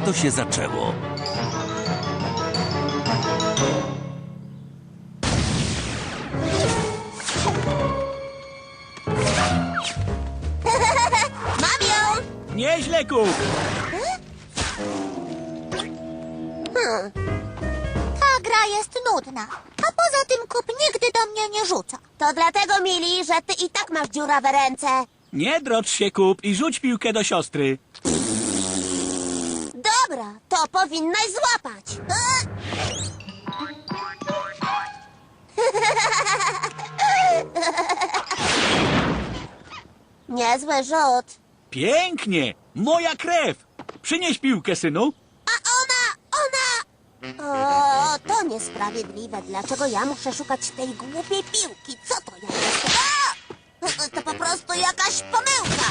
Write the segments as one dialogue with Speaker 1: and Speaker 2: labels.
Speaker 1: tak to się zaczęło.
Speaker 2: Mam ją!
Speaker 3: Nieźle, Kup!
Speaker 2: Ta gra jest nudna. A poza tym Kup nigdy do mnie nie rzuca. To dlatego, Mili, że ty i tak masz dziurawe ręce.
Speaker 3: Nie drocz się, Kup, i rzuć piłkę do siostry.
Speaker 2: Dobra, to powinnaś złapać. Niezły rzut.
Speaker 3: Pięknie! Moja krew! Przynieś piłkę, synu.
Speaker 2: A ona... O, to niesprawiedliwe. Dlaczego ja muszę szukać tej głupiej piłki? Co to ja jestem? A! To po prostu jakaś pomyłka.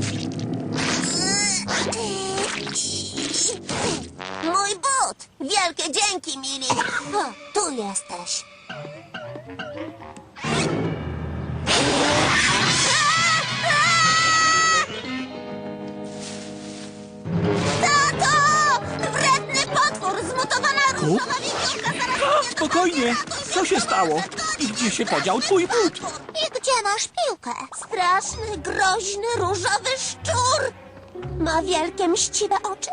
Speaker 2: Mój but! Wielkie dzięki, Mili. O, tu jesteś. Tato! Wredny potwór! Zmutowana różowa wiewiórka zaraz mnie
Speaker 3: Spokojnie! Co się stało? I gdzie się podział twój but?
Speaker 2: I gdzie masz piłkę? Straszny, groźny, różowy szczur! Ma wielkie, mściwe oczy.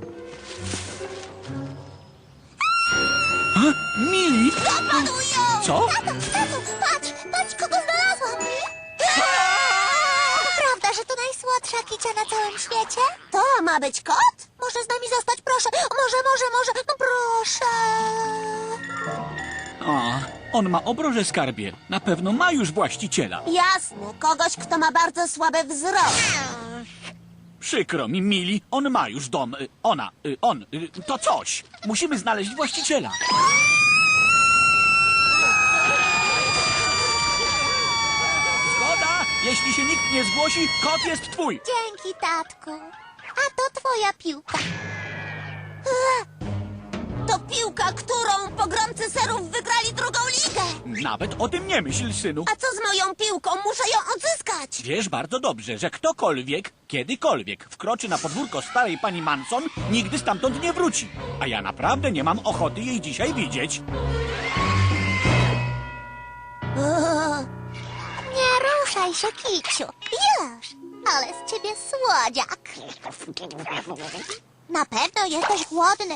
Speaker 3: Mili!
Speaker 2: Dopadł ją!
Speaker 3: Co?
Speaker 2: Tato, patrz, kogo znalazłam! Prawda, że to najsłodsza kicia na całym świecie? To ma być kot? Może z nami zostać, proszę. Może. No proszę.
Speaker 3: O, on ma obroże skarbie. Na pewno ma już właściciela.
Speaker 2: Jasne, kogoś, kto ma bardzo słaby wzrok.
Speaker 3: Przykro mi, Mili, on ma już dom. To coś. Musimy znaleźć właściciela. Zgoda! Jeśli się nikt nie zgłosi, kot jest twój.
Speaker 2: Dzięki, tatku. A to twoja piłka. To piłka, którą pogromcy serów wygrali drugą ligę.
Speaker 3: Nawet o tym nie myśl, synu.
Speaker 2: A co z moją piłką? Muszę ją odzyskać.
Speaker 3: Wiesz bardzo dobrze, że ktokolwiek, kiedykolwiek wkroczy na podwórko starej pani Manson, nigdy stamtąd nie wróci. A ja naprawdę nie mam ochoty jej dzisiaj widzieć.
Speaker 2: Nie ruszaj się, kiciu. Już. Ale z ciebie słodziak. Na pewno jesteś głodny.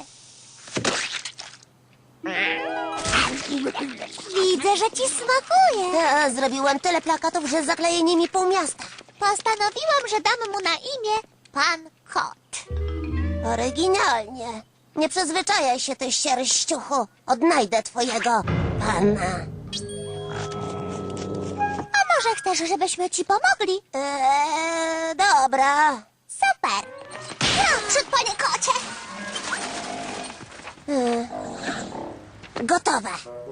Speaker 2: Widzę, że ci smakuje. Zrobiłem tyle plakatów, że zakleję nimi pół miasta. Postanowiłam, że dam mu na imię Pan Kot. Oryginalnie. Nie przyzwyczajaj się, ty sierściuchu. Odnajdę twojego pana. A może chcesz, żebyśmy ci pomogli? Dobra. Super. Naprzód, panie kocie. Gotowe.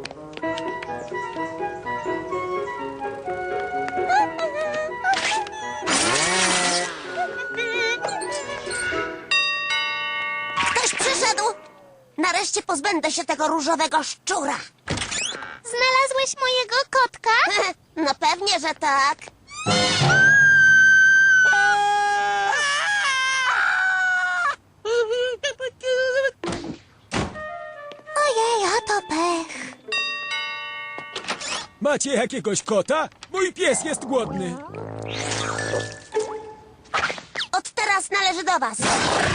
Speaker 2: Ktoś przyszedł. Nareszcie pozbędę się tego różowego szczura. Znalazłeś mojego kotka? No pewnie, że tak. Ojej, a to pech.
Speaker 4: Macie jakiegoś kota? Mój pies jest głodny.
Speaker 2: Od teraz należy do was.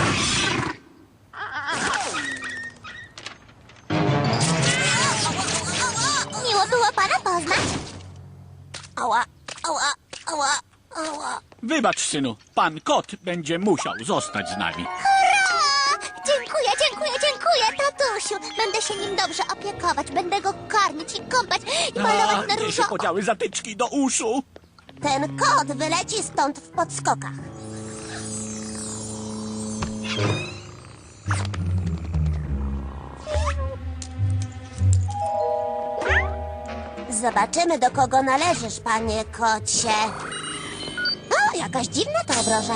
Speaker 2: Miło było pana poznać. Ała.
Speaker 3: Wybacz, synu, pan kot będzie musiał zostać z nami.
Speaker 2: Hurra! Dziękuję, tatusiu. Będę się nim dobrze opiekować. Będę go karmić i kąpać i malować na
Speaker 3: Gdzie się
Speaker 2: różowo.
Speaker 3: podziały zatyczki do uszu?
Speaker 2: Ten kot wyleci stąd w podskokach. Zobaczymy, do kogo należysz, panie kocie. O, jakaś dziwna to obroża.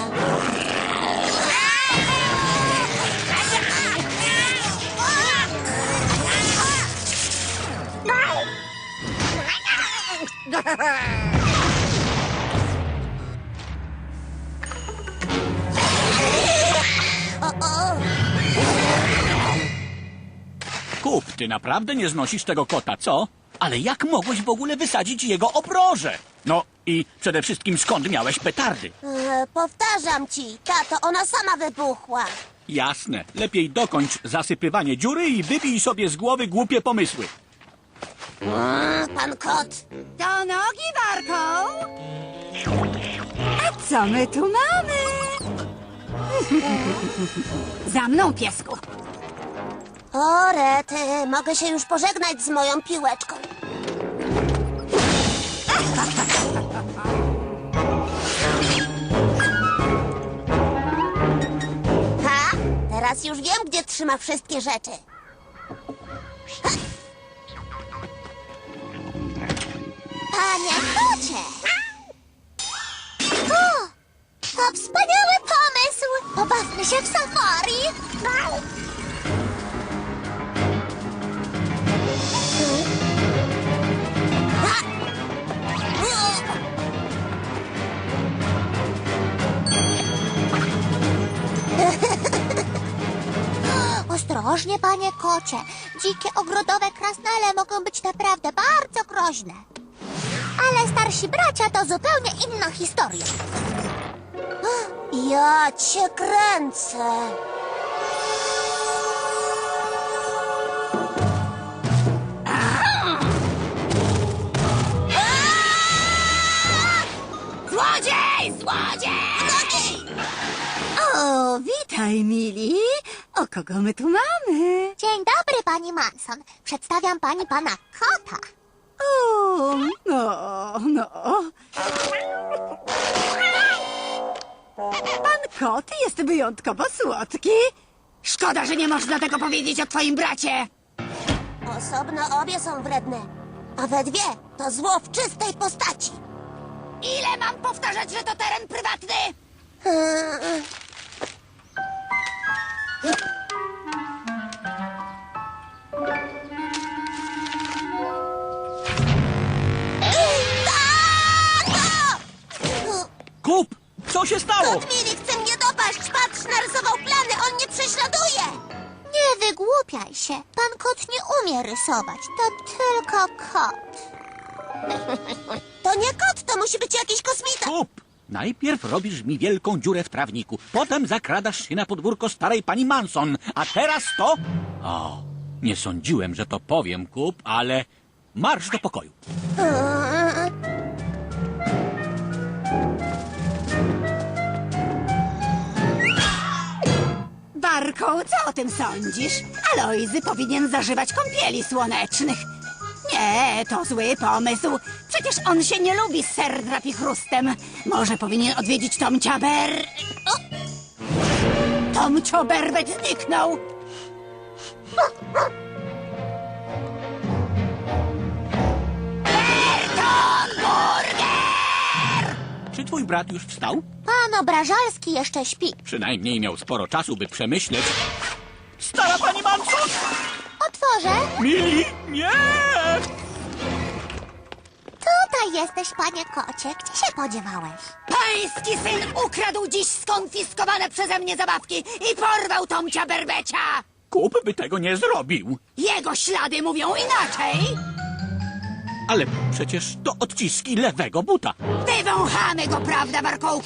Speaker 2: O,
Speaker 3: Ty naprawdę nie znosisz tego kota, co? Ale jak mogłeś w ogóle wysadzić jego obroże? No i przede wszystkim skąd miałeś petardy?
Speaker 2: Powtarzam ci, tato, ona sama wybuchła.
Speaker 3: Jasne, lepiej dokończ zasypywanie dziury i wybij sobie z głowy głupie pomysły.
Speaker 2: Pan kot.
Speaker 1: Do nogi, Warką! A co my tu mamy? Za mną, piesku!
Speaker 2: O, rety, mogę się już pożegnać z moją piłeczką. Ha! Teraz już wiem, gdzie trzyma wszystkie rzeczy. Ha! Panie kocie! O! To wspaniały pomysł! Pobawmy się w safari! Ostrożnie, panie kocie. Dzikie ogrodowe krasnale mogą być naprawdę bardzo groźne. Ale starsi bracia to zupełnie inna historia. Ja cię kręcę.
Speaker 1: Złodziej! Złodziej! O, witaj, mili. O, kogo my tu mamy?
Speaker 2: Dzień dobry, pani Manson. Przedstawiam pani pana kota.
Speaker 1: O, no. Pan kot jest wyjątkowo słodki. Szkoda, że nie można tego powiedzieć o twoim bracie.
Speaker 2: Osobno obie są wredne, a we dwie to zło w czystej postaci.
Speaker 1: Ile mam powtarzać, że to teren prywatny?
Speaker 3: Kup, co się stało?
Speaker 2: Kot Mili chce mnie dopaść. Patrz, narysował plany, on mnie prześladuje. Nie wygłupiaj się. Pan kot nie umie rysować. To tylko kot. To nie kot, to musi być jakiś kosmita.
Speaker 3: Kup! Najpierw robisz mi wielką dziurę w trawniku, potem zakradasz się na podwórko starej pani Manson, a teraz to... O, nie sądziłem, że to powiem, Kup, ale marsz do pokoju.
Speaker 1: Barką, co o tym sądzisz? Alojzy powinien zażywać kąpieli słonecznych. Nie, to zły pomysł. Przecież on się nie lubi z serdrap i chrustem. Może powinien odwiedzić Tomcia O! Tomcio Berbet zniknął. Berton Burger!
Speaker 3: Czy twój brat już wstał?
Speaker 2: Pan Obrażalski jeszcze śpi.
Speaker 3: Przynajmniej miał sporo czasu, by przemyśleć. Stara pani Manson!
Speaker 2: Otworzę.
Speaker 3: Mili, nie!
Speaker 2: Tutaj jesteś, panie kocie. Gdzie się podziewałeś?
Speaker 1: Pański syn ukradł dziś skonfiskowane przeze mnie zabawki i porwał Tomcia Berbecia.
Speaker 3: Kup by tego nie zrobił.
Speaker 1: Jego ślady mówią inaczej.
Speaker 3: Ale przecież to odciski lewego buta.
Speaker 1: Wywąchamy go, prawda, Markołku?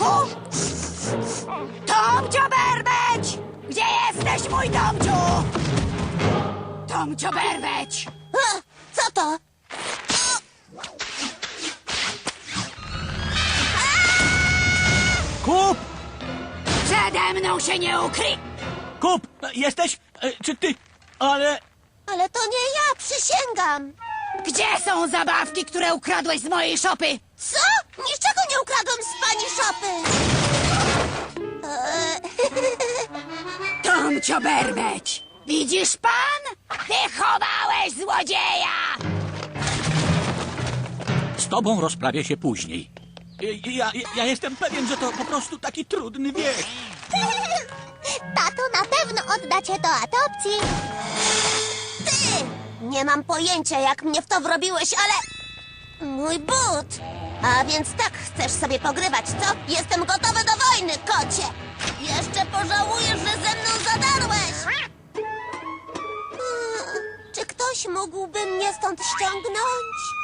Speaker 1: Tomcio Berbeć! Gdzie jesteś, mój Tomciu? Tomcio Berbeć!
Speaker 2: Co to?
Speaker 3: Kup!
Speaker 1: Przede mną się nie ukryj!
Speaker 3: Kup! Jesteś? Czy ty? Ale...
Speaker 2: Ale to nie ja, przysięgam.
Speaker 1: Gdzie są zabawki, które ukradłeś z mojej szopy?
Speaker 2: Co? Niczego nie ukradłem z pani szopy.
Speaker 1: Tomcio Berbeć! Widzisz pan? Ty chowałeś złodzieja!
Speaker 3: Z tobą rozprawię się później. Ja jestem pewien, że to po prostu taki trudny wiek.
Speaker 2: Tato na pewno odda cię do adopcji. Ty! Nie mam pojęcia, jak mnie w to wrobiłeś, ale... Mój but! A więc tak chcesz sobie pogrywać, co? Jestem gotowy do wojny, kocie! Jeszcze pożałujesz, że ze mną zadarłeś! Czy ktoś Ktoś mógłby mnie stąd ściągnąć?